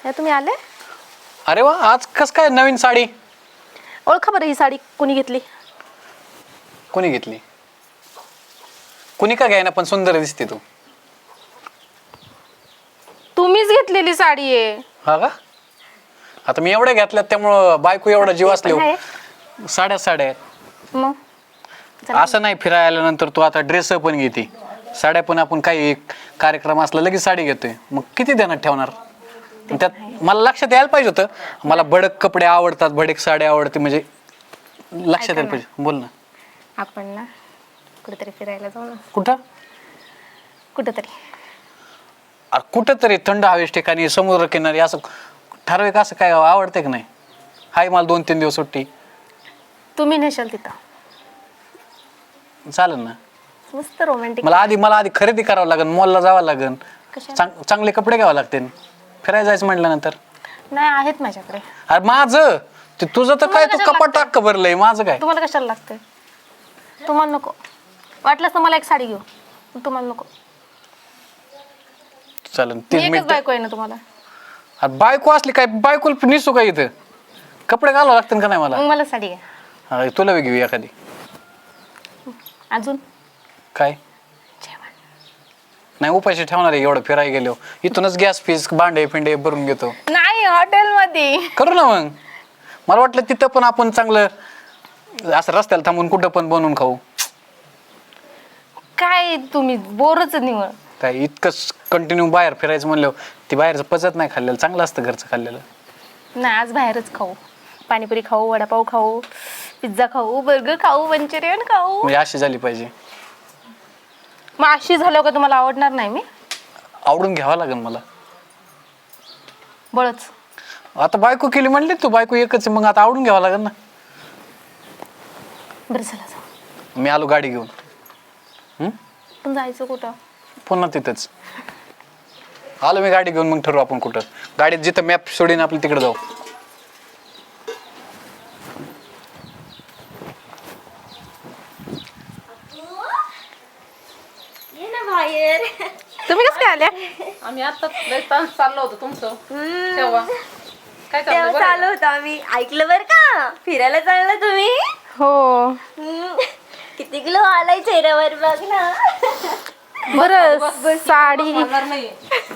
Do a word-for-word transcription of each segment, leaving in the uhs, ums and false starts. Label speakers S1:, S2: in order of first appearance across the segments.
S1: काय तुम्ही आले?
S2: अरे वा, आज कस काय नवीन साडी?
S1: ओळखा बरं ही साडी कोणी घेतली?
S2: कोणी घेतली? कोणी का घ्यायना, पण सुंदर दिसते तू.
S1: तुम्हीच घेतलेली साडी आहे.
S2: हा का? आता मी एवढ्या घेतल्यात त्यामुळं बायको एवढा जीव असले. साड्या साड्या आहेत.
S1: मग
S2: असं नाही, फिरायला आल्यानंतर तू आता ड्रेस पण घेते, साड्या पण आपण काही कार्यक्रम असला लगेच साडी घेतोय, मग किती ध्यानात ठेवणार? त्यात मला लक्षात यायला पाहिजे होतं. मला भडक कपडे आवडतात, भडक साडी आवडते, म्हणजे लक्षात यायला पाहिजे. बोल ना.
S1: आपण ना कुठेतरी फिरायला जाऊ ना.
S2: कुठं?
S1: कुठेतरी
S2: अरे कुठंतरी थंड हवेच्या ठिकाणी, समुद्र किनारी, असं ठराविक असं काय आवडते की नाही? हाय, मला दोन तीन दिवस सुट्टी.
S1: तुम्ही नेशाल तिथं
S2: चालेल ना.
S1: मस्त रोमॅन्टिक.
S2: मला आधी मला आधी खरेदी करावं लागेल, मॉलला जावं लागेल,
S1: कशाला?
S2: चांगले कपडे घ्यावं लागतील फिरायला जायचं म्हटल्यानंतर.
S1: नाही आहेत माझ्याकडे.
S2: अरे माझं ते तुझं तर काय, तू कपाट टाक भरलंय, माझं काय?
S1: तुम्हाला कशाला लागतंय? तुम्हाला नको वाटलंच तर मला एक साडी घेऊ, तुम्हाला नको.
S2: चालेल, तीन
S1: एकच
S2: मिनिट.
S1: बायको आहे ना तुम्हाला?
S2: अरे बायको असली काय, बायको निसू काय इथं? कपडे घालावं लागतील का नाही मला?
S1: मग मला साडी घ्या.
S2: हा, तुला बी घेऊ एखादी.
S1: अजून
S2: काय नाही, उपाशी ठेवणार आहे एवढं फिरायला गेलो. इथूनच गॅस फीस भांडे फिंडे भरून घेतो.
S1: नाही, हॉटेलमध्ये
S2: करू ना मग. मला वाटलं तिथं पण आपण चांगलं असं रस्त्याला थांबून कुठं पण बनवून खाऊ.
S1: काय तुम्ही बोरच निवळ.
S2: काय इतकं कंटिन्यू बाहेर फिरायचं म्हणलं, ती बाहेरचं पचत नाही खाल्लेलं, चांगलं असतं घरचं खाल्लेलं.
S1: नाही, आज बाहेरच खाऊ. पाणीपुरी खाऊ, वडापाव खाऊ, पिझ्झा खाऊ, बर्गर खाऊ, मंचुरियन खाऊ.
S2: म्हणजे अशी झाली पाहिजे.
S1: मग अशी झाल्यावर का तुम्हाला आवडणार नाही? मी
S2: आवडून घ्यावं लागेल मला.
S1: बळच
S2: आता बायको केली म्हणली तू, बायको एकच आहे, मग आता आवडून घ्यावं लागेल ना.
S1: बरं चला जाऊ.
S2: मी आलो गाडी घेऊन. हम्म,
S1: पण जायचं कुठं?
S2: पुन्हा तिथंच आलो मी गाडी घेऊन, मग ठरवू आपण कुठं. गाडीत जिथं मॅप सोडीन आपलं तिकडे जाऊ.
S1: तुम्ही कसं काय आल्या?
S3: आम्ही आता चाललो होतो तुमचं तेव्हा. काय
S4: तेव्हा
S3: चाललं?
S4: चालू होतं, आम्ही ऐकलं बर का, फिरायला चाललं तुम्ही.
S1: हो.
S4: हम्म. किती किलो आलाय चेहऱ्यावर बघ ना.
S1: बरं, साडी
S3: नाही.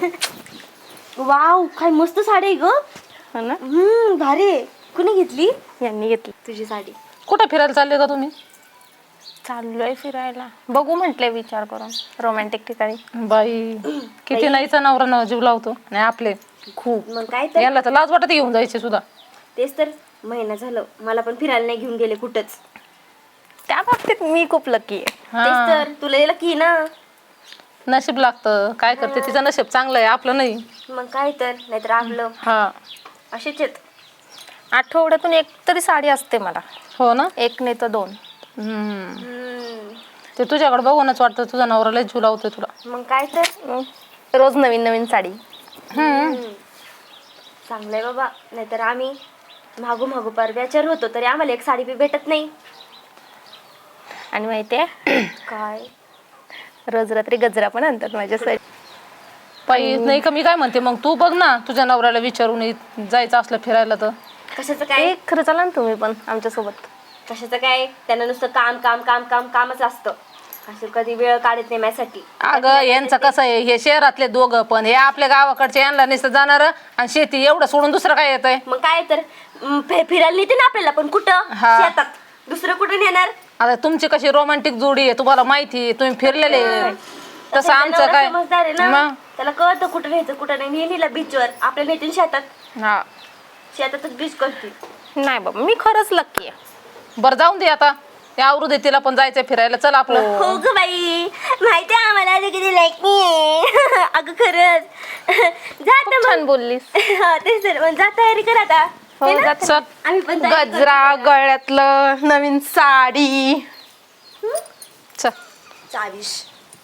S4: वाव, काय मस्त साडी आहे ग.
S1: हो ना,
S4: हम्म, भारी आहे. कुणी घेतली?
S1: यांनी घेतली.
S4: तुझी साडी.
S3: कुठं फिरायला चालले का तुम्ही?
S1: चाललोय फिरायला, बघू म्हटलंय विचार करून रोमॅन्टिक ठिकाणी.
S3: बाई किती नाहीचा नवरा न जीव लावतो. नाही आपले
S4: खूप. मग काय तर,
S3: याला तर लाज वाटत घेऊन जायचे सुद्धा.
S4: तेच तर, महिना झालं मला पण फिरायला नाही घेऊन गेले कुठंच.
S1: त्या बाबतीत मी खूप लकी आहे.
S4: तेच
S3: हा,
S4: तर, तुला याला की ना.
S3: नशीब लागतं. काय करते, तिचं नशीब चांगलं आहे, आपलं नाही.
S4: मग काय तर, नाहीतर आपलं
S3: हा,
S4: असेच आहेत.
S1: आठवड्यातून एक तरी साडी असते मला.
S3: हो ना.
S1: एक नाही तर दोन.
S3: हम्म,
S4: हम्म,
S3: ते तुझ्याकडे बघूनच वाटतं तुझा नवरा लय जीव लावतोय तुला.
S4: मग काय तर.
S1: मग रोज नवीन नवीन साडी.
S3: हम्म,
S4: चांगलंय बाबा, नाहीतर आम्ही मागू मागू परब्याचर होतो तरी आम्हाला एक साडी बी भेटत नाही.
S1: आणि माहितीये,
S4: काय
S1: रोज रात्री गजरा पण आणतात माझ्यासाठी.
S3: बाई नाही का, मी काय म्हणते, मग तू बघ ना तुझ्या नवऱ्याला विचारून ये- जायचं असलं फिरायला तर.
S4: कशाचं काय?
S1: एक खरं चला ना तुम्ही पण आमच्यासोबत.
S4: कशाचं काय, त्यांना नुसतं काम काम काम काम कामच असतं. असं कधी वेळ काढत नाही माझ्यासाठी.
S3: अगं यांचं कसं आहे, हे शहरातले दोघं पण, हे आपल्या गावाकडचे यांना नुसतं जाणार आणि शेती एवढं सोडून दुसरं काय येतंय.
S4: मग काय तर, म, फि- फिरायला नेते ना आपल्याला, पण कुठं?
S3: हा.
S4: शेतात. दुसरं कुठं नेणार?
S3: आता तुमची कशी रोमॅन्टिक जोडी आहे तुम्हाला माहिती आहे, तुम्ही फिरलेले आहे. तसं
S4: तसं
S3: आमचं
S4: नवरा
S3: काय
S4: समजदार आहे ना,
S3: मग?
S4: त्याला कळतं कुठं न्यायचं कुठं नाही. नेलीला बीचवर, आपल्या नेतील शेतात.
S3: हा,
S4: शेतातच बीच करते.
S1: नाही बाबा, मी खरंच लकी आहे.
S3: बरं जाऊन दे आता, ते आवरू दे, तिला पण जायचंय फिरायला. चल आपलं.
S4: हो ग बाई, माहिती आहे आम्हाला आता किती लाईक नाही. अगं खरंच. जात
S1: खूप छान बोललीस.
S4: हा तेच तर, मग जा तयारी कर आता.
S1: हो,
S4: है ना?
S1: जाते.
S3: चल.
S4: आम्ही पण तयारी करू.
S1: गजरा, गळ्यातलं नवीन साडी.
S3: चल.
S4: चावीस.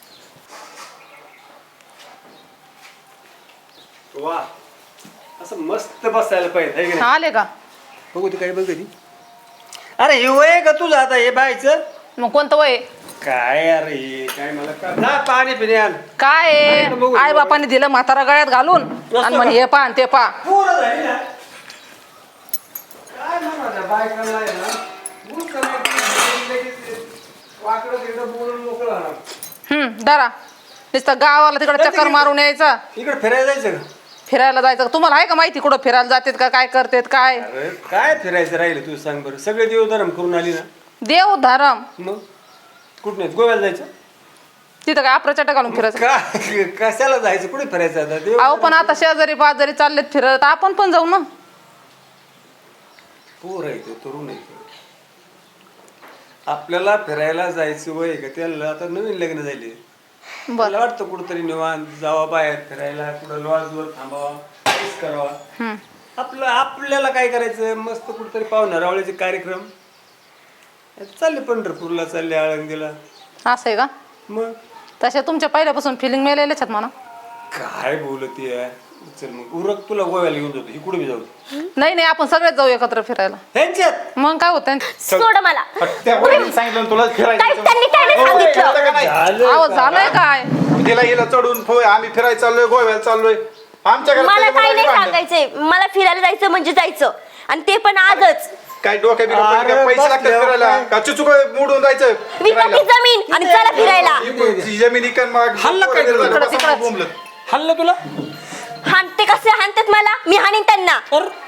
S5: वा, असं मस्त बसायला पाहिजे है की नाही?
S3: आले का?
S5: बघू ती काय बघ कधी. अरे हे वय का तुझं आता हे बायचं?
S3: मग कोणतं वय?
S5: काय यार हे काय मला का जा पाणी पिणे आण
S3: काय आहे? आई बापाने दिलं म्हातारा गळ्यात घालून आणि म्हणे हे पा ते पा.
S5: पोरं झाली ना काय म्हणा बायकांना आहे ना ऊन करायचं लगेच वाकडं तिकडं बोलून मोकळं होणार.
S3: हम्म धरा नुसतं गावाला तिकडे चक्कर मारून यायचं
S5: इकडे फिरायला जायचं का
S3: फिरायला जायचं. तुम्हाला आहे का माहिती कुठं फिरायला जातात का काय करतात काय?
S5: अरे काय फिरायचं राहिलं तू सांग बरं सगळे देवधर्म करून आली ना
S3: देव धरम
S5: मग कुठं नाही गोव्याला जायचं
S3: तिथं काय आपल्या घालून फिरायचं.
S5: का कशाला जायचं कुठे फिरायचं आता देव
S3: अहो पण आता शेजारी पाजारी चाललेत फिरत आपण पण जाऊ ना.
S5: पोर आहे ते तरुण आहे आपल्याला फिरायला जायचं वय का त्याला आता नवीन लग्न झाले मला वाटतं कुठंतरी निवांत जावा बाहेर फिरायला कुठं लॉजवर थांबावा काहीच करावा आपलं आपल्याला काय करायचं मस्त कुठंतरी पाहुणा रावळ्याचे कार्यक्रम चालले पंढरपूरला चालले आळंदीला
S3: असं आहे का?
S5: मग
S3: तशा तुमच्या पहिल्यापासून फिलिंग मिळालेल्याच आहेत म्हणा.
S5: काय बोलते चल मग उरक तुला गोव्याला घेऊन जातो ही कुठे जाऊ
S3: नाही नाही आपण सगळेच जाऊ एकत्र फिरायला.
S5: ह्यांच्यात
S3: मग काय होतं?
S4: सोड मला
S6: त्या वहिनीने सांगितलं तुला
S4: काय
S6: फिरायचं
S4: त्यांनी काय नाही सांगितलं
S5: झालं
S3: अहो झालंय काय?
S6: तिला हिला चढून फो- आम्ही फिरायला चाललोय गोव्याला चाललोय आमच्या घरात
S4: मला
S6: त्याच्यामुळे
S4: काही नाही
S6: आम्ही भांडण.
S4: सांगायचंय मला फिरायला जायचं म्हणजे जायचं आणि ते पण आजच
S6: काय डोक्या बिडोक्या
S5: अरे
S6: काय पैसे
S5: बस
S6: लागतात
S5: देव
S6: फिरायला
S5: काय.
S6: का चुचुक मोडून जायचं
S4: विका ती जमीन आणि चला फिरायला
S6: ती जमीन इकन मग
S5: हल्ला काय
S6: पोरं
S5: तिकडं,
S6: झालं,
S3: तिकडंच.
S6: बोंबलत.
S5: हल्लं तुला
S4: हाणते कसे हाणतात मला मी हाणीन त्यांना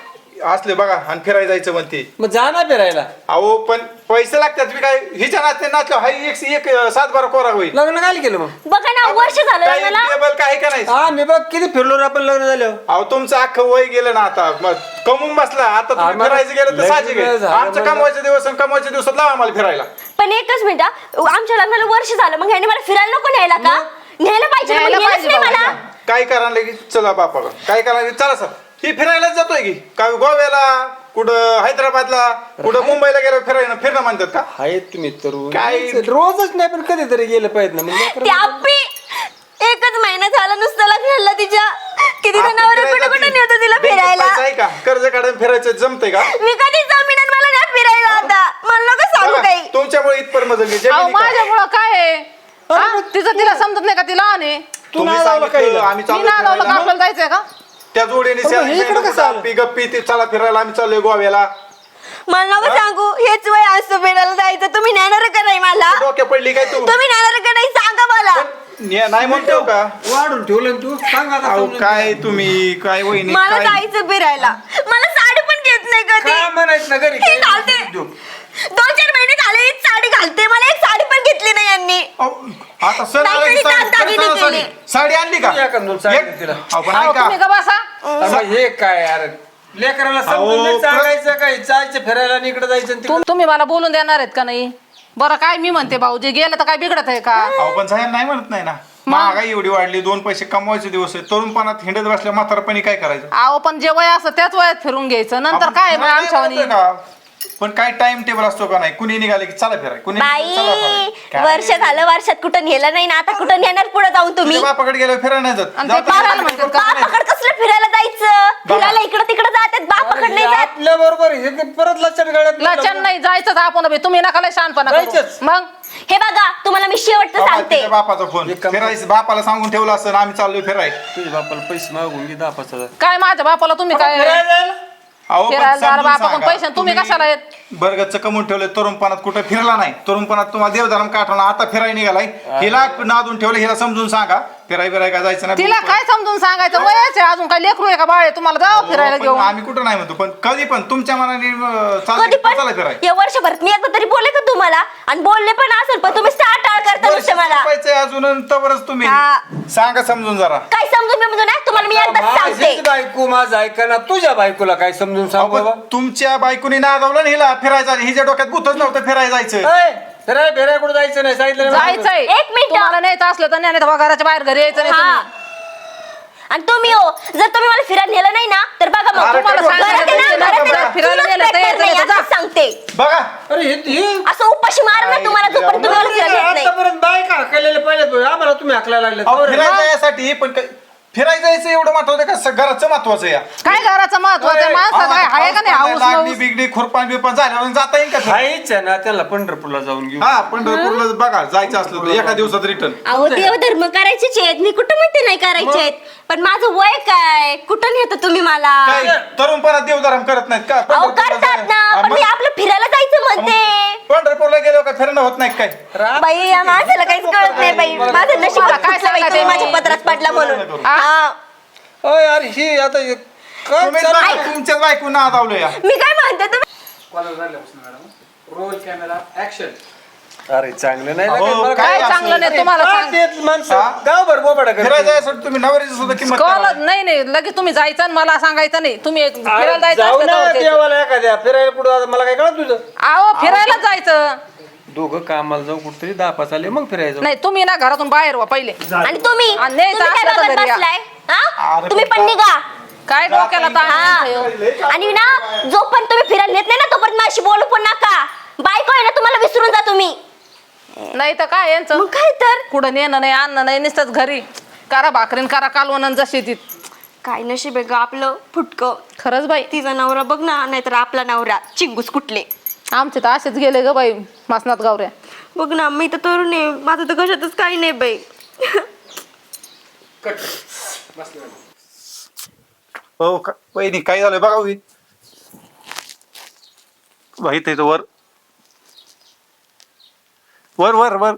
S6: असले बघा आणि फिरायला जायचं म्हणते
S5: मग जा ना फिरायला
S6: अहो पण पैसे लागतात मी काय हिच्या नाचते नाचलो हाय एक एक सात बारा कोरा होईल
S5: लग्न काय केलं मग
S4: बघा ना वर्ष झालं
S6: काही
S4: मला
S6: टेबल काय का नाही
S5: हा मी बघ किती फिरलो रे आपण लग्न झालं
S6: अहो तुमचं अख्खं वय गेलं ना आता मग कमवून बसला आता तुम्ही
S5: आम्हाला
S6: फिरायचं गेलं तर
S5: लग्न
S6: साहजिक आहे
S5: झालं
S6: आमचं
S5: म्हणलं.
S6: कमवायचे दिवस आणि कमवायच्या दिवसात लावा आम्हाला फिरायला
S4: पण एकच मिनिट हा. आमच्या लग्नाला वर्ष झालं मग ह्याने मला फिरायला नको न्यायला का न्यायला पाहिजे ना, मग
S3: न्यायला
S4: नेलंच
S3: पाहिजे
S4: नाही मला
S3: बाबा.
S6: काय करायला लगेच चला बापा काय करायला लागेल? चला सर ही फिरायलाच जातोय की काय गोव्याला कुठं हैदराबादला कुठं मुंबईला गेलं फिरायला फिरणं म्हणतात का
S5: आहेत तुम्ही तरुण
S6: काय-
S5: रोजच नाही पण कधीतरी गेलं पाहिजे ना मग
S4: ते आप्पी एकच महिना झाला नुसतं लग्नाला तिच्या किती
S6: आपण
S4: जनावर
S6: फिरायला
S4: कुठं कुठं
S6: जाती.
S4: नेतो तिला
S6: बँकेत
S4: फिरायला
S6: पैसा आहे का कर्ज काढून फिरायचं जमतंय का
S4: मी कधी जमीन आणि मला नाही फिरायला आता मला नको सांगू
S6: बघा,
S4: काही
S6: तुमच्यामुळे इथपर मजल
S3: अहो माझ्यामुळं काय आहे? हा? तिचं तिला समजत नाही का तिला आणि
S5: तू नाही लावलं काही
S6: आम्ही
S3: मी
S6: चाललोय
S3: ना लावलं का
S6: फिरायला.
S3: आपल्याला जायचंय का?
S6: त्या जोडीने
S5: पण हे इकडं कसं आलं?
S6: गप्पी गप्पी ते चला फिरायला आम्ही चाललोय गोव्याला
S4: मला नको सांगू हेच वय असतं फिरायला जायचं तुम्ही नेणार का नाही मला
S6: डोक्या पडली काय तू
S4: तुम्ही नेणार का नाही सांगा मला
S6: ने- नाही म्हणतो का
S5: वाढून ठेवलं ना तू सांग आता
S6: अहो
S5: समजून.
S6: काय तुम्ही काय वहिनी
S4: मला
S6: काय
S4: जायचं फिरायला मला साडी पण घेत नाही कधी
S5: काय म्हणायचं ना घरी
S4: हे घालते दोन चार महिने झाले हीच साडी घालते मला एक साडी पण घेतली नाही यांनी
S6: अहो, आता सण आला की
S4: नाही,
S6: साडी-
S4: तरी दागिने
S6: सण आला
S4: केले.
S6: साडी- साडी आणली का
S5: या का दोन साडी
S6: एक-
S5: तिला?
S6: अहो, पण
S3: अहो,
S6: ऐका
S3: तुम्ही का बसा?
S5: अरे हे काय यार लेकराला समजून
S6: अहो,
S5: नाही सांगायचं काय जायचं फिरायला आणि इकडे जायचं आणि
S3: तुम- तुम्ही मला बोलून देणार आहेत का नाही? बरं काय मी म्हणते भाऊजी गेलं तर काय बिघडत आहे का?
S6: अहो पण साहेब नाही म्हणत नाही ना महागाई एवढी वाढली दोन पैसे कमवायचे दिवस आहे तरुणपणात हिंडत बसल्या म्हातारपणी काय करायचं
S3: अहो पण जे वय असं त्याच वयात फिरून घ्यायचं नंतर
S6: आपण
S3: काय मग
S6: फिरायला
S3: आमच्या
S6: जातोय का? पण काय टाइम टेबल असतो का नाही कुणी निघाले की चला फिराय कुणी
S4: बाई
S6: चला फिरायला. काय?
S4: वर्ष झालं वर्षात कुठं नेलं नाही ना आता कुठं नेणार पुढे जाऊन तुम्ही
S6: तुझ्या बापाकडे गेल्यावर फिरायला नाही जात
S3: आणि ते
S6: जातो
S3: पारायला
S6: का?
S3: म्हणतात का?
S4: बापाकड कसलं फिरायला जायचं फिरायला इकडं तिकडं जातात बापाकड नाही जात
S5: आपल्या बरोबर हे काय परत लक्षात गाड्यात
S3: लचन नाही जायचंच आपण बे. तुम्ही नका लय शहाणपणा करू.
S5: जायचंच.
S3: मग
S4: हे बघा तुम्हाला मी शेवटचं
S6: बाबा,
S4: सांगते
S6: तुझ्या बापाचा फोन
S5: एक काम-
S6: फिरायचं बापाला सांगून ठेवलं असं आम्ही चाललोय फिराय
S5: तुझ्या बापाला पैसे मागून घे दहा पाच हजार
S3: काय माझ्या बापाला तुम्ही काय
S5: फिरायला जायला?
S6: अहो पण
S3: फिरायला जायला
S6: समजून
S3: बापाकडून
S6: सांगा.
S3: पैसे आणि तुम्ही कशाला येत?
S6: बर्गतचं कमवून ठेवलं तरुणपणात कुठं फिरला नाही तरुणपणात तुम्हाला देवधर्म काठवला आता फिरायला निघालाय हिला नादून ठेवलं हिला समजून सांगा फिराय बिराय का जायचं नाही
S3: तिला काय समजून सांगायचं वयाचे अजून काय लेकरू आहे का बाळ आहे? तुम्हाला जावं फिरायला
S6: पण
S3: घेऊन
S6: आम्ही कुठं नाही म्हणतो पण कधी पण तुमच्या मनाने अं,
S4: कधी
S6: चाललंय
S4: पण
S6: चला फिराय
S4: या वर्षभरात मी एकदा तरी बोलले का तुम्हाला आणि बोलले पण असेल पण तुम्ही स्टार्ट टाळ करता नुसतं मला
S6: संपायचंय अजून तवरच तुम्ही
S4: हा.
S6: सांगा समजून जरा
S4: काय समजून मी म्हणून तुम्हाला मी एकदा सांगते
S5: माझीच बायको माझं ऐका ना तुझ्या बायकोला काय समजून सांग
S6: अहो,
S5: बाबा
S6: पण तुमच्या बायकोनी नादावलं ना हिला फिरायचं हिच्या डोक्यात गुतच नव्हतं फिरायला जायचं
S5: ऐ, फिराय फिराय कुठं जायचं नाही सांगितलं नाही.
S3: जायचंय
S4: एक मिनिट.
S3: तुम्हाला न्यायचं असलं तर न्या, नाही तर घराच्या बाहेर घरी यायचं नाही
S4: हा.
S3: तुम्ही.
S4: आणि तुम्ही हो जर तुम्ही मला फिरायला नेलं नाही ना तर बघा मग
S6: अरे,
S4: तुम्हाला
S6: काय
S4: घरात आहे ना,
S3: बोलते?
S4: घरात आहे ना,
S3: फिरायला
S4: चुलत
S3: नेलं तर
S4: पेटणार
S3: यायचं
S4: नाही,
S3: नाही तर
S4: असं सांगते
S6: बघा
S5: अरे हे हे-
S4: असं उपाशी मार ना तुम्हाला जोपर्यंत तुम्ही मला फिरायला नेत नाही
S5: आतापर्यंत बायका हकलेले पाहिजे आम्हाला तुम्ही हकलायला लागले
S6: अहो, फिरायला यासाठी पण काय- फिरायला जायचं एवढं महत्वाचं का स- घराचं महत्वाचं या
S3: काय घराचं महत्वाचं आहे माणसाचं काय आहे का नाही हाऊस
S6: लागली
S3: माऊस?
S6: बिगडी खुरपान बिरपान झाल्यावर जाता येईल का फिरायला?
S5: हायच आहे ना त्याला पंढरपूरला जाऊन घेऊ.
S6: हा पंढरपूरला बघा जायचं असलं तर एका दिवसात रिटर्न.
S4: अहो देवधर्म करायचेच आहेत, मी कुठं म्हणते नाही करायचे आहेत, पण माझं वय काय, कुठं नेता तुम्ही मला?
S6: काय तरुणपणात देवधर्म करत नाहीत का?
S4: अहो
S6: पंढरपूरला
S4: करतात
S6: जायला-
S4: ना,
S6: हा,
S4: पण मी
S6: मग
S4: आपलं फिरायला जायचं म्हणते.
S6: पंढरपूरला गेलो का फिरणं होत नाही काय?
S4: बाई या माणसाला काहीच कळत नाही बाई, माझं नशीब
S3: मला काय
S4: काय
S3: सांगायचं
S4: तुम्ही
S3: मी?
S4: माझ्या पत्रात पडला म्हणून. हा.
S5: अय यार ही आता हे काय
S6: तुम्हीच
S5: चालू-
S6: बघा, तुमच्याच बायकोनं नादावलं या.
S4: मी काय म्हणते तुम्ही
S2: रोल कॅमेरा ऍक्शन.
S5: अरे चांगलं नाही
S6: अहो,
S5: लागत मला.
S6: काय
S3: काय चांगलं नाही तुम्हाला
S5: काय
S3: सांग.
S5: तेच माणसं
S6: हा?
S5: गावभर बोबाडा करतात.
S6: फिरायला जायसाठी तुम्ही नवऱ्याची सुद्धा किंमत
S3: कळलं
S6: करा.
S3: नाही नाही लगेच तुम्ही जायचं आणि मला सांगायचं नाही. तुम्ही एक
S5: अरे
S3: फिरायला जायचं
S5: जाऊ
S3: असलं
S5: ना
S3: तर जायचं.
S5: देवाला एखाद्या फिरायला कुठं आता मला काय कळत तुझं.
S3: अहो फिरायला जायचं
S5: दोघं कामाला जाऊ कुठतरी दहा पाच आले मग फिरायचं.
S3: नाही. तुम्ही ना घरातून बाहेर व्हा पहिले.
S4: आणि तुम्ही
S3: आणि नाही
S4: तुम्ही काय
S3: तर असलं तर
S4: बघत
S3: घरी या.
S4: बसलाय? हा?
S6: अरे
S4: तुम्ही पण
S6: पण
S4: निघा.
S3: काय डोक्याला ताण आहे हो?
S4: हा. आणि ना जोपर्यंत तुम्ही फिरायला नेत नाही ना तोपर्यंत माझ्याशी बोलू पण नका. बायको आहे ना तुम्हाला विसरून जा तुम्ही.
S3: नाही तर काय यांचं
S4: मग काय तर
S3: कुठं नेणं नाही आणणं नाही नुसतंच घरी करा भाकरीन करा कालवण जशी ती.
S4: काय नशीब आहे ग आपलं फुटकं.
S3: खरंच बाई
S4: तिचा नवरा बघ ना, नाहीतर आपला नवरा चिंगूस कुठले.
S3: आमचे तर असेच गेले ग बाई मासनात गावऱ्या.
S4: बघ ना मी तर तरुण आहे, माझं तर कशातच काही नाही बाई.
S6: हो का वहिनी काय झालंय बघा उभी. माहित आहे तो वर वर वर वर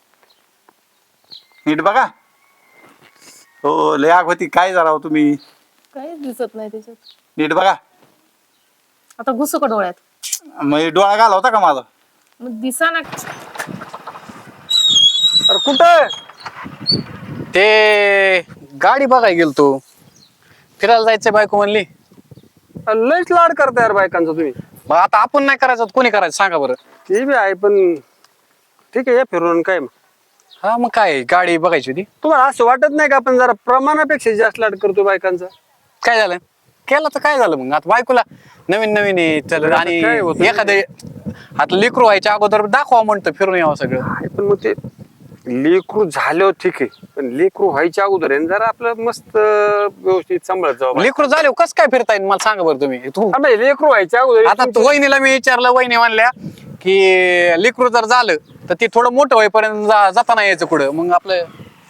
S6: नीट बघा. हो लय आग होती. काय झाला हो तुम्ही?
S1: काही दिसत नाही त्याच्यात.
S6: नीट बघा.
S1: आता घुसू का डोळ्यात?
S6: मग डोळा घाला होता का माझा?
S1: मग दिसा ना.
S5: अरे कुठं
S2: ते गाडी बघाय गेलो तू. फिरायला जायचंय बायको म्हणली.
S5: लयच लाड करता यार बायकांचा तुम्ही.
S2: मग आता आपण नाही करायचं कोणी करायचं सांगा बरं.
S5: ते बी आहे पण ठीक आहे या फिरून काय मग.
S2: हा मग काय गाडी बघायची होती.
S5: तुम्हाला असं वाटत नाही का आपण जरा प्रमाणापेक्षा जास्त लाड करतो बायकांचा.
S2: काय झालं केलं तर काय झालं मग आता बायकोला नवीन नवीन आहे चल
S5: आता
S2: आणि
S5: काय होतं?
S2: एखादे आता लेकरू व्हायच्या अगोदर दाखवा म्हणतं फिरून यावं सगळं.
S5: आहे पण मग ते लेकरू झाल्यावर ठीक आहे पण लेकरू व्हायच्या अगोदर आहे ना जरा आपलं मस्त व्यवस्थित सांभाळत जावं.
S2: लेकरू झाले कसं काय फिरता येईल मला सांगा बरं तुम्ही तू.
S5: हा, म्हणजे लेकरू व्हायच्या अगोदर
S2: आता तू वहिनीला मी विचारलं वहिनी म्हणल्या की लेकरू जर झालं तर ते थोडं मोठं होईपर्यंत जा- जाता नाही यायचं कुठं मग आपलं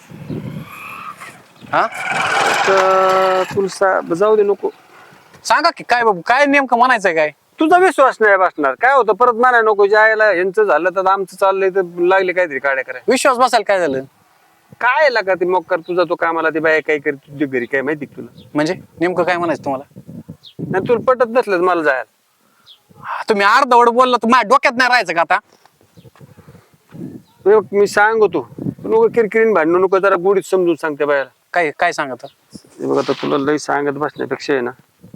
S2: हा
S5: तर तुला सा- जाऊ दे नको.
S2: सांगा की काय बाबू काय नेमकं म्हणायचंय काय.
S5: तुझा विश्वास नाही बसणार काय होतं परत म्हणाय नको जायला यांचं झालं तर आमचं चाललंय तर लागले काहीतरी काड्या करायला.
S2: विश्वास बसायला काय झालं
S5: काय लागा ते मग कर तुझा तो कामाला ती बाय काय करते तुझ्या घरी काय माहिती का तुला.
S2: म्हणजे नेमकं काय म्हणायचं तुम्हाला.
S5: नाही तुला पटत नसलं तर मला जायला.
S2: तुम्ही अर्धवड बोलला तर माझ्या डोक्यात नाही राहायचं का आता.
S5: मी मी सांगतो नको किरकिरीन भांडणं नको जरा गोडीत समजून सांगते बायाला.
S2: काय काय सांगत
S5: हे बघ आता तुला लई सांगत बसण्यापेक्षा आहे ना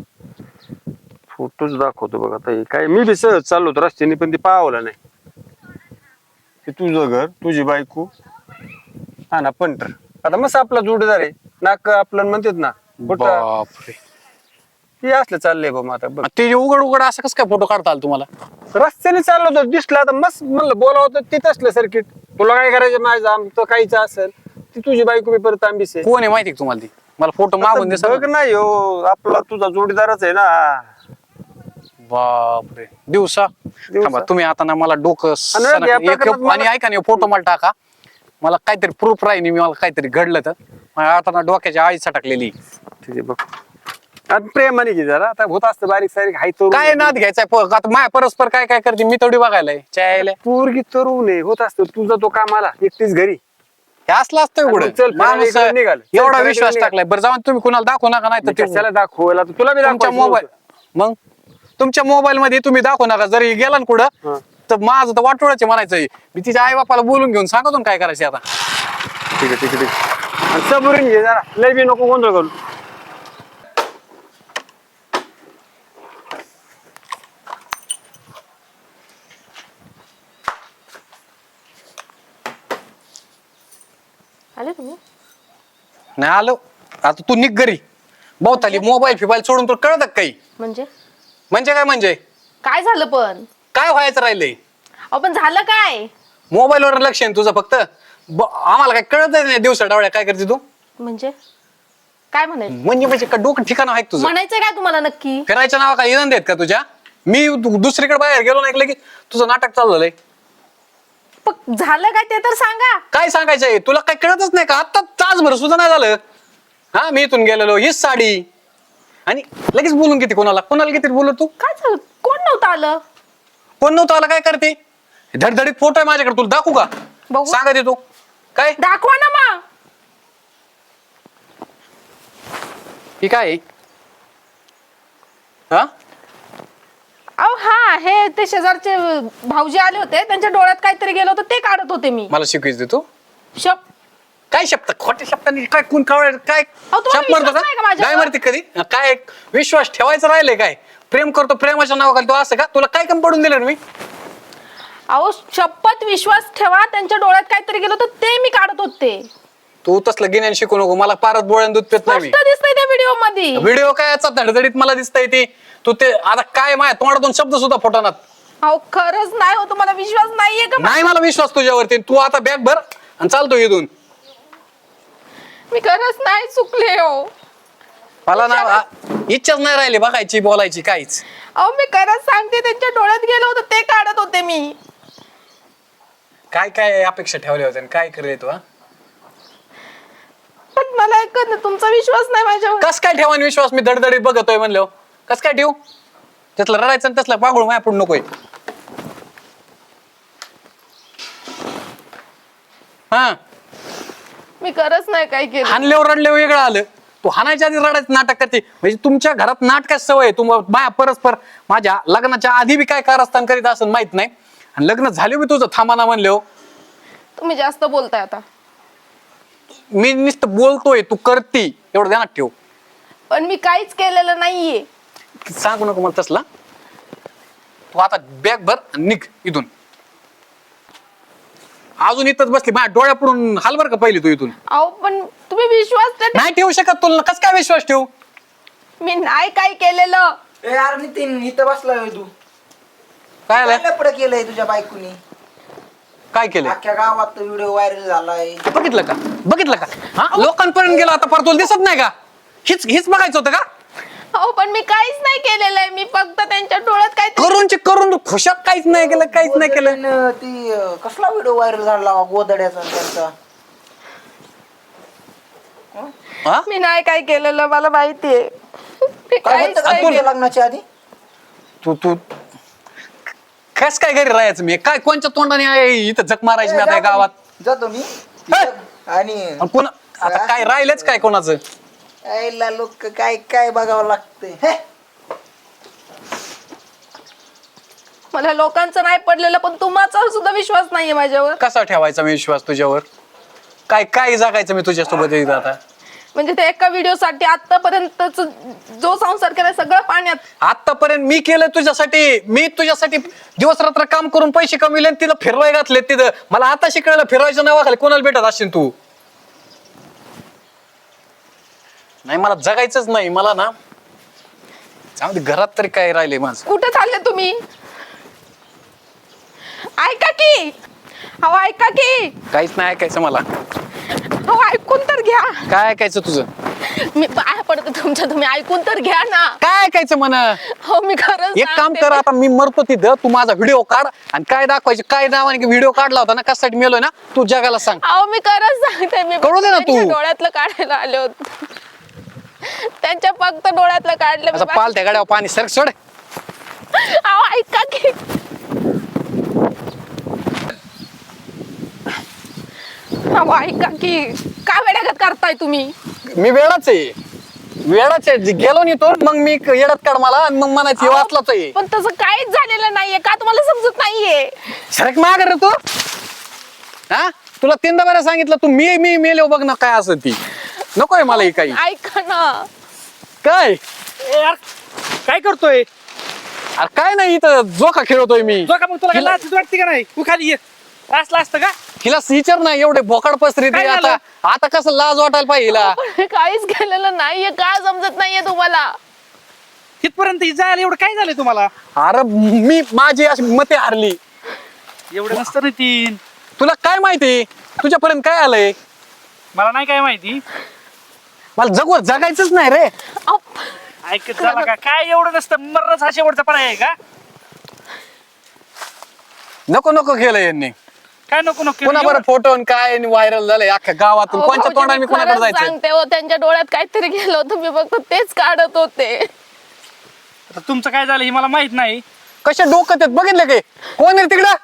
S5: फोटोच दाखवतो बघ आता हे काय मी बी सहज चाललो होतो रस्त्याने पण ते पावलं नाही. हे तुझं घर तुझी बायको हा ना पंटर आता मस्त आपला जोडीदार आहे नाक आपलं म्हणतात ना कुठं
S2: बापरे.
S5: ते असलं चाललंय बा मग आता बघ
S2: ते जे उघड उघड असं कसं काय फोटो काढता आला तुम्हाला.
S5: रस्त्याने चाललो होतो दिसला तर मस्त म्हणलं बोलावं तर तिथं असलं सर्किट तुला काय करायचं माझं आमचं काहीच असेल ती तुझी बायको बी परत आंबीस आहे.
S2: कोण आहे माहिती का तुम्हाला ती मला फोटो मागून दे
S5: बघ नाही हो आपला तुझा जोडीदारच आहे ना.
S2: बापरे दिवसा थांबा तुम्ही आता ना मला डोकं
S5: आणि
S2: सणक-
S5: या
S2: एक-
S5: प्रकरणात मला-
S2: आणि ऐका नाही फोटो मला टाका मला काहीतरी प्रूफ राहील मी मला काहीतरी घडलं तर मला आता ना डोक्याच्या आळी सटकलेली.
S5: ठीक आहे बघ आता प्रेमाने घे जरा आता होत असतं बारीक सारीक हाय तरुण
S2: काय नाद घ्यायचाय प- आता माया परस्पर काय काय करते मी तेवढी बघायलाय चायला
S5: पोरगी तरुण आहे होत असतं तुझा तो कामाला एकटीच घरी
S2: हे असलं असतं
S5: आणि
S2: एवढं
S5: मग चल, फिरायला
S2: माणूस
S5: इकडे निघाल. चल,
S2: एवढा
S5: फिरायला
S2: विश्वास
S5: इकडे
S2: टाकलाय बरं जाऊन तुम्ही कुणाला दाखवू नका नाही
S5: मी
S2: तर
S5: कशाला दाखवायला आता तुला बी
S2: तुमच्या
S5: दाखवायचं
S2: मोबाईल मग तुमच्या मोबाईल मध्ये तुम्ही दाखवू नका जरी गेला ना
S5: हा.
S2: कुठं तर माझं तर वाटोळाचे म्हणायचंय मी तिच्या आई बापाला बोलून घेऊन सांगतो ना काय करायचं आता.
S5: ठीक आहे ठीक आहे ठीक आहे आणि सबुरीन घे जरा लय बी नको गोंधळ करू.
S1: आले तुम्ही?
S2: नाही आलो आता तू निघ घरी बहुताली मोबाईल फिबाईल सोडून तुला कळत काही
S1: म्हणजे
S2: म्हणजे काय म्हणजे
S1: काय झालं पण?
S2: काय व्हायचं राहिलंय
S1: अहो पण झालं काय?
S2: मोबाईलवर लक्ष आहे ना तुझं फक्त ब- आम्हाला काय कळत नाही दिवसा डावळ्या काय करते तू
S1: म्हणजे काय म्हणायचं
S2: म्हणजे म्हणजे का डोकं ठिकाण आहे का तुझं?
S1: म्हणायचं काय तुम्हाला नक्की?
S2: फिरायच्या नावा काय इनाम देत का तुझ्या? मी दु- दुसरीकडे बाहेर गेलो नाही की तुझं नाटक चालू झालंय.
S1: पण झालं काय ते तर सांगा.
S2: काय सांगायचंय तुला? काय कळतच नाही का? आता तासभर सुद्धा नाही झालं. हा मी इथून गेलेलो हीच साडी आणि लगेच बोलून किती कोणाला कोणाला किती बोलू तू?
S1: काय झालं? कोण नव्हतं आलं?
S2: कोण नव्हतं आला काय करते? धडधडीत फोटो आहे माझ्याकडे, तुला दाखवू का?
S1: बघू.
S2: सांगा दे तू काय
S1: दाखवा ना मग.
S2: ही काय आहे? हा
S1: अहो हा हे ते शेजारचे भाऊजी आले होते, त्यांच्या डोळ्यात काहीतरी गेलं होतं ते काढत होते मी.
S2: मला शिकवीच दे तू.
S1: शप
S2: काय शब्द खोटे शब्दांनी काय कोण कावळ काय
S1: अहो, तुम्हाला
S2: शब्द मारतो
S1: विश्वास नाही का
S2: का?
S1: माझ्यावर?
S2: काय मारते कधी? काय विश्वास ठेवायचा राहिलंय काय? प्रेम करतो प्रेमाच्या नावाखाली तू असं का? तुला काय कम पडून दिलं रे मी?
S1: अहो शपथ विश्वास ठेवा, त्यांच्या डोळ्यात काहीतरी गेलं होतं ते मी काढत होते.
S2: तू तसलं गिन्यान शिकू नको मला. पारत बोळ्यान दूध पित नाही मी.
S1: स्पष्ट दिसतंय त्या व्हिडिओ मध्ये.
S2: व्हिडिओ काय याचा धडधडीत मला दिसतंय ती. तू ते आता काय माय तोंडातून शब्द सुद्धा फुटवणार
S1: अहो खरंच नाही हो, तुम्हाला विश्वास नाहीये का?
S2: नाही. मला विश्वास तुझ्यावरती. तू आता बॅग भर आणि चालतो इथून.
S1: मी खरंच नाही चुकले हो.
S2: मला ना आ- इच्छाच नाही राहिली बघायची बोलायची काहीच.
S1: अहो मी खरंच सांगते, त्यांच्या डोळ्यात गेलं होतं ते काढत होते मी.
S2: काय काय अपेक्षा ठेवल्या होत्या आणि काय करे तू? हा?
S1: पण मला एक तुमचा विश्वास नाही माझ्यावर.
S2: कस काय ठेवान विश्वास? मी धडधडीत बघतोय म्हणलो. कस काय ठेवू? त्यातलं रडायचं आणि तसलं पागळ माया पडू नकोय. हा
S1: मी खरंच नाही काय केलं.
S2: हानल्यावर रडल्यावर वेगळं आलं. तू हाणायच्या आधी रडायचं नाटक करते म्हणजे तुमच्या घरात नाटकाची सवय आहे. तुम माया परस्पर माझ्या लग्नाच्या आधी बी काय कारस्थान करीत असं माहित नाही आणि लग्न झाले बी तुझं थांबाना म्हणलो.
S1: तुम्ही जास्त बोलताय आता.
S2: मी नुसतं बोलतोय तू करती एवढं ध्यानात ठेव.
S1: पण मी काहीच केलेलं नाहीये.
S2: सांगू नको मला तसला. तू आता बॅग भर आणि निघ इथून. अजून इथंच बसली माझ्या डोळ्यापुढून हाल बर का पहिली तू इथून.
S1: अहो पण तुम्ही विश्वास तर ठेवा.
S2: नाही ठेवू शकत तुला. कस काय विश्वास ठेवू?
S1: मी नाही काय केलेलं.
S7: ए यार नितीन इथं बसलाय होय तू.
S2: काय आलं?
S7: काय लफडं केलंय तुझ्या बायकोनी?
S2: काय केलं?
S7: अख्ख्या गावात व्हिडिओ व्हायरल झालाय.
S2: बघितलं का? बघितलं का? हा लोकांपर्यंत गेला आता परत तुला दिसत नाही का? हिच हिच बघायचं होतं का?
S1: अहो पण मी काहीच नाही केलेलं आहे. मी फक्त त्यांच्या डोळ्यात काय
S2: करून चे करून तू खुशात काहीच नाही केलं काहीच नाही केलं.
S7: गोदड्यानं ती अं, कसला व्हिडिओ व्हायरल झाला गोदड्याचा आणि त्यांचा?
S2: हा?
S1: मी नाही काय केलेलं, मला माहितीये. मी
S7: काय
S1: काहीच
S7: होतं का
S1: नाही
S7: तुझ्या
S1: केलं.
S7: लग्नाच्या आधी?
S2: तू तू कस काय घरी राहायचं मी? काय कोणच्या तोंडाने आहे इथं जक मारायची मी आता या गावात?
S7: जातो मी
S2: हे!
S7: आणि
S2: आणि कोण आता काय राहिलंच काय कोणाचं?
S7: आईला लोक काय काय बघावं लागतंय. हे!
S1: मला लोकांचं नाही पडलेलं, पण तुमचा सुद्धा विश्वास नाहीये माझ्यावर.
S2: कसा ठेवायचा मी विश्वास तुझ्यावर? काय काय जगायचं मी तुझ्यासोबत इथं आता?
S1: म्हणजे ते एका व्हिडिओ साठी आतापर्यंत जो संसार केलाय सगळं पाण्यात.
S2: आतापर्यंत मी केलं तुझ्यासाठी. मी तुझ्यासाठी दिवस रात्र काम करून पैसे कमविले आणि तिला फिरवाय घातले तिथं. मला आता शिकायला फिरवायच्या नावाखाली कोणाला भेटत असशील तू? नाही मला जगायचंच नाही. मला ना जाऊ दे, घरात तरी काय राहिले माझं.
S1: कुठे चालले तुम्ही? ऐका की. अहो ऐका की.
S2: काहीच नाही ऐकायचं मला.
S1: अहो ऐकून तर घ्या.
S2: काय ऐकायचं तुझं?
S1: मी पाया पडते तुमच्या, तुम्ही ऐकून तर घ्या ना.
S2: काय ऐकायचं म्हण?
S1: हो मी खरंच
S2: एक काम
S1: सांगते.
S2: कर, आता मी मरतो तिथं, तू माझा व्हिडिओ काढ आणि काय दाखवायचे काय नावाने व्हिडिओ काढला होता ना कशासाठी मेलोय ना तू जगाला सांग.
S1: अहो मी खरंच सांगते. मी
S2: कळू दे ना तू.
S1: त्यांच्या डोळ्यातलं काढायला आले होते. त्यांच्या फक्त डोळ्यातलं काढलं मी.
S2: असं पाल त्या गाड्यावर पाणी सरक सोड.
S1: अहो ऐका की. अहो ऐका की. काय वेड्यागत करताय तुम्ही?
S2: मी वेळाच आहे. वेळाच आहे. गेलो नाही तो मग मी येडत काढ मला आणि मग म्हणायची वाचलाच आहे.
S1: पण तसं काहीच झालेलं नाहीये. का तुम्हाला समजत नाहीये?
S2: सरक माग रे तू. हा तुला तीनदा बरं सांगितलं तू मी मी मेलो बघ ना काय असं ती नकोय मला ही काही.
S1: ऐका ना.
S2: काय
S8: काय करतोय?
S2: अरे काय नाही इथं जोका खेळतोय मी.
S8: जो का मग तुला
S2: हिला-
S8: लाच वाटते का नाही? तू खाली ये. असलं असतं का?
S2: हिला विचार नाही एवढे भोकाड पसरी
S8: काय
S2: आता
S8: झालं?
S2: आता कसं लाज वाटायला पाहिजे हिला.
S1: पण काहीच केलेलं नाहीये. का समजत नाहीये तुम्हाला?
S8: तिथपर्यंत जायला एवढं काय झालंय तुम्हाला?
S2: अरे मी माझी अशी मते हारली.
S8: एवढं नसतं ना तीन.
S2: तुला काय माहिती तुझ्यापर्यंत काय आलंय?
S8: मला नाही काय माहिती.
S2: मला जगवर जगायचंच नाही रे.
S1: अहो,
S8: ऐकत झाला का काय एवढं नसतं मरणच हा शेवटचा पर्याय आहे का
S2: नको नको केलं यांनी.
S8: काय नको नको
S2: पुन्हा बरं फोटो काय व्हायरल झालंय अख्ख्या गावातून.
S1: अहो,
S2: कोणत्या
S1: भाऊजी,
S2: तोंडाने मी
S1: मी
S2: कोणाकडे
S1: खरंच
S2: जायचं?
S1: सांगते हो, त्यांच्या डोळ्यात काहीतरी गेलं होतं, मी फक्त तेच काढत होते.
S8: आता तुमचं काय झालं हे मला माहित नाही
S2: कशा डोकं आहेत बघितलं की? कोण आहे तिकडं?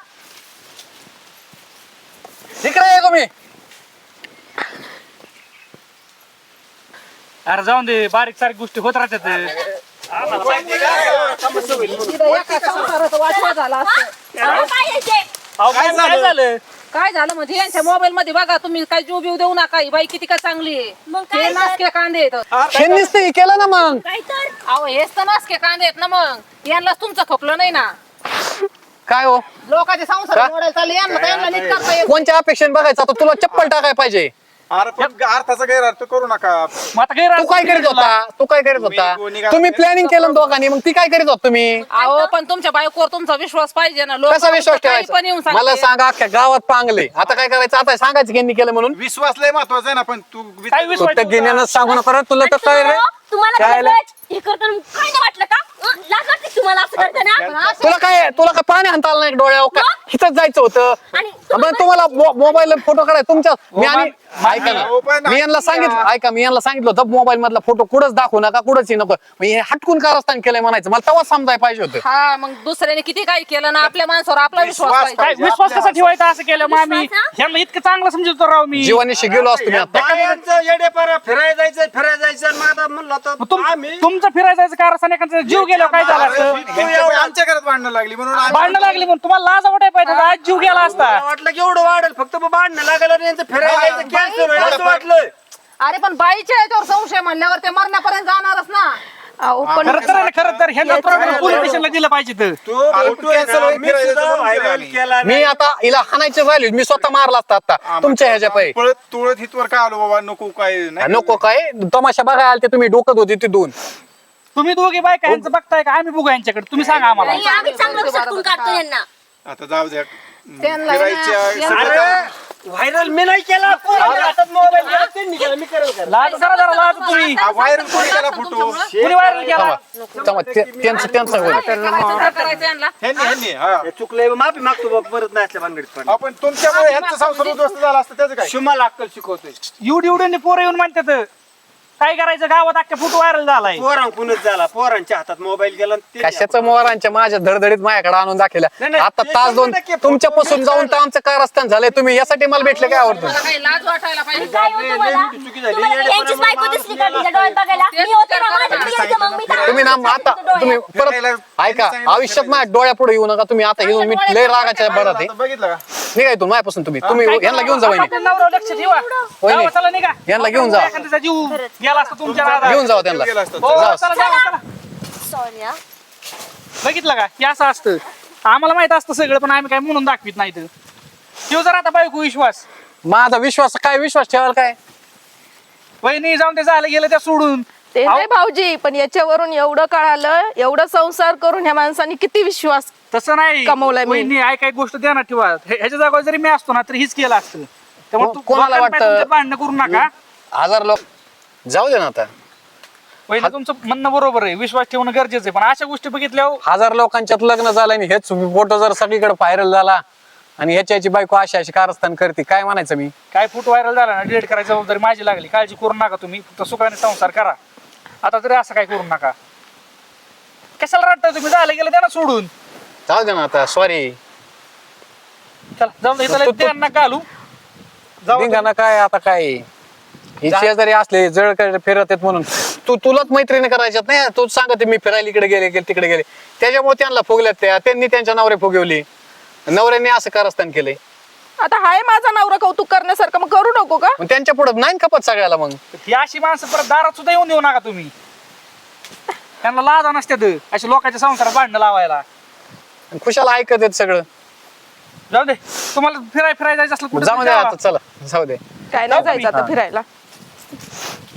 S2: तिकडे आहे का मी?
S8: अरे जाऊन दे बारीक सारीक गोष्टी होत राहतात
S3: एका संसाराचं वाटलं झालं असतं.
S8: अहो, काय काय झालं
S3: काय झालं म्हणजे यांच्या मोबाईल मध्ये बघा तुम्ही काय जीव बिव देऊ नका ही बाई किती काय चांगली आहे.
S4: मग काय
S3: हे
S4: तर?
S3: नासके कांदे आहेत.
S2: यांनीच ते केलं ना मग.
S4: काय तर
S3: अहो हेच तर नासके कांदे आहेत ना मग यांनाच तुमचं खपलं नाही ना.
S2: काय हो
S3: लोकांचे संसार
S2: का?
S3: मोडायला चालले यांना तर यांना नीट करता येत
S2: कोणत्या अपेक्षेने बघायचं? आता तुला चप्पल टाकाय पाहिजे.
S6: अरे पण अर्थाचा गैरअर्थ करू नका.
S8: मग आता गैर
S2: तू काय करीत होता? तू काय करीत होता?
S6: तुम्ही निघाला
S2: तुम्ही
S6: तेच
S2: प्लॅनिंग केलं ना दोघांनी, मग ती काय करीत होत तुम्ही?
S3: अहो पण तुमच्या बायकोवर तुमचा विश्वास पाहिजे ना. लोक
S2: कसा विश्वास
S3: पण येऊन
S2: ठेवायचा? मला
S3: सांगते.
S2: सांगा अख्ख्या गावात पांगले. आता काय करायचं? आता सांगायचं यांनी केलं म्हणून.
S6: विश्वास लय महत्वाचा आहे ना. पण तू
S8: काय विश्वास
S2: फक्त घेण्यानं सांगू नका रे. तुला तर
S4: आणि
S2: काय रे?
S4: तुम्हाला- तुम्हाला
S2: काय
S4: काय
S2: रे?
S4: हे करताना काय नाही वाटलं का? अं, लाज वाटते तुम्हाला असं करताना?
S2: तुला काय तुला काय पाणी हाणता आलं नाही डोळ्यावर का? इथंच जायचं होतं.
S4: आणि
S2: बरं तुम्हाला मोबाईल फोटो काढाय तुमच्या मी आणि ऐका
S6: हो, पण
S2: ना मी यांना सांगितलं ऐका मी यांना सांगितलं होतं मोबाईल मधला फोटो कुठंच दाखवू नका कुठंच ही नको. मी हे हटकून कारस्थान केलंय म्हणायचं. मला तेव्हा समजाय पाहिजे होतं.
S3: हा मग दुसऱ्याने किती काय केलं ना आपल्या माणसावर आपला विश्वास
S6: विश्वास
S3: पाहिजे.
S8: काय विश्वास कसा ठेवायचा असं केलं मग आम्ही
S4: विश्वास, हा?
S8: ह्यांना इतकं चांगलं समजतो राव मी
S2: जीवानीशी गेलो असतो मी आता.
S5: बायांचं येडेपारा फिरायला जायचं फिरायला जायचं आणि मग आता म्हणलं तर
S8: मग तुम-
S5: आम्ही
S8: तुमचं फिरायला जायचं कारण एखादा जीव गेला काय झालं असतं
S6: ह्यांच्यामुळे आमच्या घरात भांडणं लागली म्हणून आम्ही-
S8: भांडणं लागली म्हणून तुम्हाला लाज वाटाय पाहिजे आज जीव गेला असता
S5: मला वाटलं की एवढं वाढेल फक्त मग भांडणं लागलं आणि यांचं फिरायला जायचं कॅन्सल होईल असं वाटलं.
S3: अरे पण बाईच्या याच्यावर संशय म्हणल्यावर ते मरण्यापर्यंत जाणारच ना.
S1: अहो पण
S8: खरं तर आहे ना, खरं तर ह्यांना प्रॉब्लेम पोलीस स्टेशनला दिलं पाहिजे तर
S5: तो
S6: अरे
S5: फोटो
S6: पण
S5: आहे
S6: cancel
S5: ना,
S6: होईल,
S5: मी
S6: फिरायला
S5: सुद्धा
S6: जायचं म्हणून
S5: व्हायरल
S6: आम्ही.
S5: केला
S2: मी
S5: नाही.
S2: आता हिला हाणायचे राहिले मी स्वतः मारला असता आता तुमच्या ह्याच्या पायी.
S6: पळत तुळत हितवर काय आलो बाबा नको काय नाही
S2: नको काय तमाशा बघायला आलते तुम्ही डोकत होते तिथून.
S8: तुम्ही दोघे बायका यांचं बघताय का आम्ही बघू यांच्याकडे तुम्ही सांगा आम्हाला
S4: नाही, आम्ही चांगलं सटकून काढतो यांना.
S6: आता जाऊ द्या
S3: त्यांना
S6: फिरायच्या
S3: यांना-
S6: सगळं काम-
S5: व्हायरल मी नाही केला पोरांच्या हातात मोबाईल गेला, त्यांनी केला, मी करेल का?
S8: लाज जरा जरा लाज तुम्ही
S6: हा, व्हायरल कोणी केला फोटो
S8: कुणी व्हायरल केला
S2: थांबा थांबा ते- त्यांचं त्यांचं होईल.
S3: करायचं करायचं यांना.
S6: ह्यांनी ह्यांनी हा
S5: हे चुकलंय माफी मागतो बाबा परत नाही असल्या भानगडीत पण
S6: आपण तुमच्यामुळे ह्यांचा संसार उद्ध्वस्त झाला असतं त्याचं काय
S5: शुमाला अक्कल शिकवतोय
S8: एवढी एवढी पोरं येऊन म्हणतात काय करायचं गावात अख्ख्या फोटो व्हायरल झालाय
S5: पोरांकूनच झाला पोरांच्या हातात मोबाईल गेला आणि ते-
S2: कशाचं मोहरांच्या माझ्या धडधडीत माझ्याकडे आणून दाखवल्या.
S5: नाही, नाही,
S2: आता
S5: ते
S2: तास दोन
S5: शंभर टक्के
S2: तुमच्यापासून जाऊन तर आमचं कारस्थान झालंय. तुम्ही यासाठी मला भेटले काय आवडतं?
S3: मला काही लाज वाटायला पाहिजे.
S4: काय होतं
S5: लय
S4: मला?
S5: मोठी चुकी झाली.
S4: तुम्हाला
S5: येडेपणा
S4: यांचीच बायको
S5: माणूस
S4: दिसली का
S5: गेला
S4: तिच्या डोळ्यात बघायला? मी होते ना, माझ्याकडे यायचं मग मी तर-
S2: तुम्ही ना आता तुम्ही परत ऐका आयुष्यात माझ्या डोळ्या पुढे येऊ नका तुम्ही. आता घेऊन मी लय रागाच्या भरात आहे.
S6: आता बघितलं का
S2: निघा इथून माझ्यापासून तुम्ही तुम्ही यांना घेऊन जा वहिनी.
S8: आपल्या नवऱ्यावर लक्ष ठेवा
S2: वहिनी,
S8: जावा, चला निघा
S2: यांना घेऊन जा.
S8: एखाद्याचा जीव गेला असता तुमच्या नादात.
S2: घेऊन जावा त्यांना.
S6: गेला असता.
S8: हो,
S2: जावा.
S8: चला, जावा, चला.
S4: Sorry हा.
S8: बघितलं का हे असं असतं आम्हाला माहित असतं सगळं पण आम्ही काय म्हणून दाखवित नाही तर ठेव जर आता बायको विश्वास
S2: माझा विश्वास काय विश्वास ठेवाल काय?
S8: वहिनी जाऊन ते झालं गेलं त्या सोडून
S1: ते
S8: अहो,
S1: नाही भाऊजी, पण याच्यावरून एवढं कळालं, एवढं संसार करून ह्या माणसाने किती विश्वास.
S8: तसं नाही
S1: कमवलंय मी.
S8: वहिनी ऐक काय गोष्ट ध्यानात ठेवा हे- ह्याच्या जागेवर जरी मी असतो ना तरी हीच केलं असतं त्यामुळे
S2: को-
S8: तू-
S2: कोणाला
S8: लोकांना
S2: वाटतं?
S8: तुमच्यात भांडणं करू नका
S2: हजार लोक जाऊ दे ना आता.
S8: वहिनी तुमचं म्हणणं बरोबर आहे विश्वास ठेवणं गरजेचं आहे पण अशा गोष्टी बघितल्यावर
S2: हजार लोकांच्यात लग्न झालं आणि हेच फोटो जर सगळीकडे व्हायरल झाला आणि ह्याची बायको अशी अशी कारस्थान करते काय म्हणायचं मी?
S8: काय फोटो व्हायरल झाला ना डिलीट करायची जबाबदारी माझी लागली काळजी करू नका तुम्ही फक्त सुखाने संसार करा आता तरी असं काय करू नका कशाला रडताय तुम्ही झालं गेलं त्यांना सोडून
S2: जाऊ दे ना आता सॉरी.
S8: चला जाऊन दे, इथं
S2: तू- तू-
S8: त्यांना घालू जाऊ दे.
S2: निघाना काय आता काय ही शेजारी असले जळ फिरत आहेत म्हणून तू तुलाच मैत्रिणी करायच्यात नाही. तू सांगते मी फिरायला इकडे गेले गेले तिकडे गेले त्याच्यामुळे त्यांना फुगल्यात त्या त्यांनी त्यांच्या नवरे फुगवली नवऱ्यांनी असं कारस्थान केलंय.
S1: आता हाय माझा नवरा कौतुक करण्यासारखं, मग करू नको का?
S2: मग त्यांच्या पुढे नाही खपत सगळ्याला. मग
S8: ही अशी माणसं परत दारात सुद्धा येऊन देऊ नका तुम्ही त्यांना लाजा नसत्यात अशी लोकांच्या संसारात भांडणं लावायला
S2: खुशाला ऐकत आहेत सगळं.
S8: जाऊ दे तुम्हाला फिराय फिरायला जायचं असलं कुठं
S2: जाऊ
S8: तरी
S2: दे
S8: जावा.
S2: आता चला जाऊ दे.
S1: काय नाही जायचं आता फिरायला.